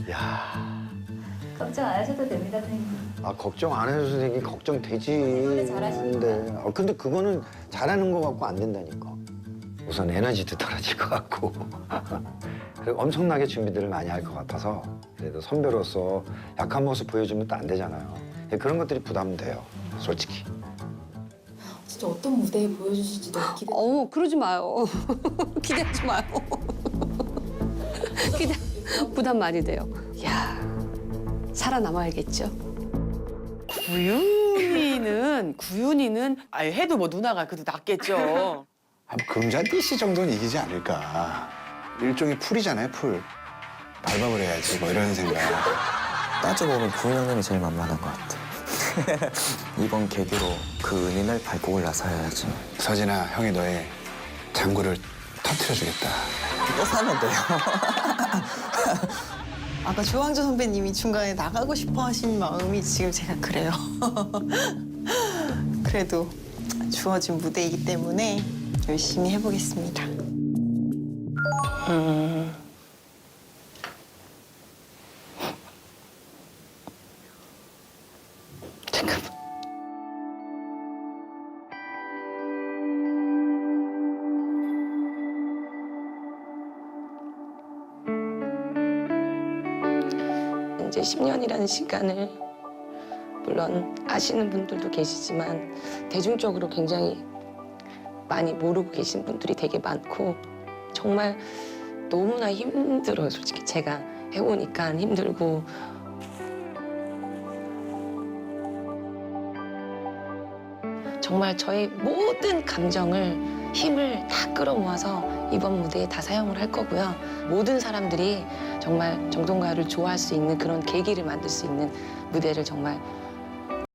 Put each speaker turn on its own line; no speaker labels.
야,
걱정 안 하셔도 됩니다, 선생님.
아 걱정 안 해도 선생님 걱정되지.
노래 잘하시니까.
근데 그거는 잘하는 거 갖고 안 된다니까. 우선 에너지도 떨어질 것 같고 그리고 엄청나게 준비들을 많이 할 것 같아서 그래도 선배로서 약한 모습 보여주면 또 안 되잖아요. 그런 것들이 부담돼요, 솔직히.
진짜 어떤 무대에 보여주실지 너무 기대.
그러지 마요. 기대하지 마요. 부담 많이 돼요. 야, 살아남아야겠죠.
구윤이는 아예 해도 뭐 누나가 그래도 낫겠죠.
한 금잔디씨 정도는 이기지 않을까. 일종의 풀이잖아요, 풀. 밟아버려야지, 뭐 이런 생각.
따져보면 구은 형님이 제일 만만한 것 같아. 이번 계기로 그 은인을 밟고 올라서 해야지.
서진아, 형이 너의 장구를 터트려주겠다.
또 사면 돼요.
아까 조항조 선배님이 중간에 나가고 싶어 하신 마음이 지금 제가 그래요. 그래도 주어진 무대이기 때문에 열심히 해보겠습니다.
잠깐만.
이제 10년이라는 시간을 물론 아시는 분들도 계시지만 대중적으로 굉장히 많이 모르고 계신 분들이 되게 많고 정말 너무나 힘들어요. 솔직히 제가 해보니까 힘들고 정말 저의 모든 감정을 힘을 다 끌어모아서 이번 무대에 다 사용을 할 거고요. 모든 사람들이 정말 정동가를 좋아할 수 있는 그런 계기를 만들 수 있는 무대를 정말